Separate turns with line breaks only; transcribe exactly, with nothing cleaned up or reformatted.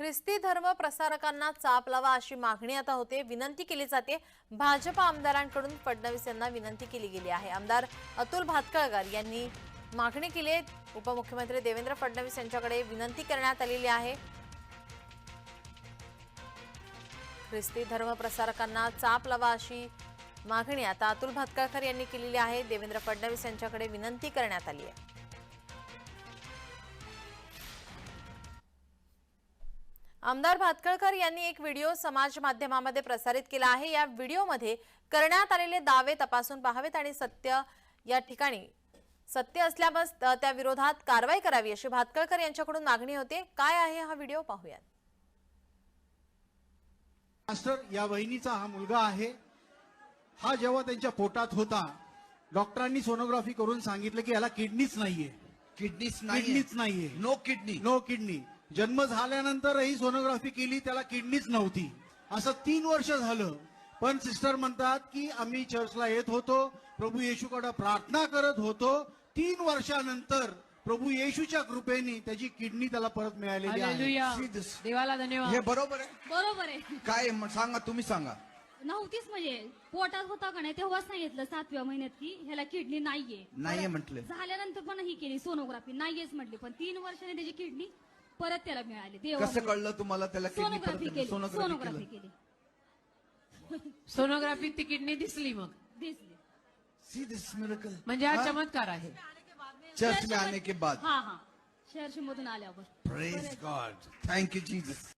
ख्रिस्ती धर्म प्रसारकांना चाप लावा अशी मागणी आता होते. विनंती केली जाते. भाजप आमदारांकडून फडणवीस यांना विनंती केली गेली आहे. आमदार अतुल भातखळकर यांनी मागणी केली आहे. उपमुख्यमंत्री देवेंद्र फडणवीस यांच्याकडे विनंती करण्यात आलेली आहे. ख्रिस्ती धर्म प्रसारकांना चाप लावा अशी मागणी आता अतुल भातखळकर यांनी केलेली आहे. देवेंद्र फडणवीस यांच्याकडे विनंती करण्यात आली आहे. आमदार भातखळकर यांनी एक व्हिडिओ समाज माध्यमामध्ये प्रसारित केला आहे. या व्हिडिओमध्ये करण्यात आलेले दावे तपासून पाहावेत आणि सत्य या ठिकाणी सत्य असल्यास त्या विरोधात कारवाई करावी अशी भातखळकर यांच्याकडून मागणी होते. काय आहे हा व्हिडिओ पाहूयात.
मास्टर या वहिनीचा हा मुलगा आहे. हा जेव्हा त्यांच्या पोटात होता डॉक्टरांनी सोनोग्राफी करून सांगितलं की याला किडनीच नाहीये.
किडनीच नाही
किडनीच नाहीये.
No kidney
no kidney. जन्म झाल्यानंतरही सोनोग्राफी केली त्याला किडनीच नव्हती. असं तीन वर्ष झालं. पण सिस्टर म्हणतात की आम्ही चर्चला येत होतो, प्रभू येशूकडे प्रार्थना करत होतो. तीन वर्षानंतर प्रभू येशूच्या कृपेने त्याची किडनी त्याला परत मिळालेली आहे.
हालेलुया. देवाला धन्यवाद.
हे बरोबर आहे.
बरोबर आहे.
काय म- सांगा तुम्ही सांगा.
नव्हतीच म्हणजे पोटात होता का नाही तेव्हाच सांगितलं सातव्या महिन्यात की ह्याला किडनी नाहीये.
नाहीये म्हटले.
झाल्यानंतर पण ही केली सोनोग्राफी नाहीयेच म्हटली. पण तीन वर्षाने त्याची किडनी परत त्याला मिळाली.
कसं कळलं तुम्हाला त्याला किडनी
सोनोग्राफी केली.
सोनोग्राफी
सोनोग्राफी
केली
केली.
सोनोग्राफीत ती किडनी दिसली. मग
दिसली.
सी दिस मिरेकल
म्हणजे हा चमत्कार आहे.
चर्च में आने के बाद.
हा हा शहर मधून आल्यावर.
Praise God. Thank you Jesus.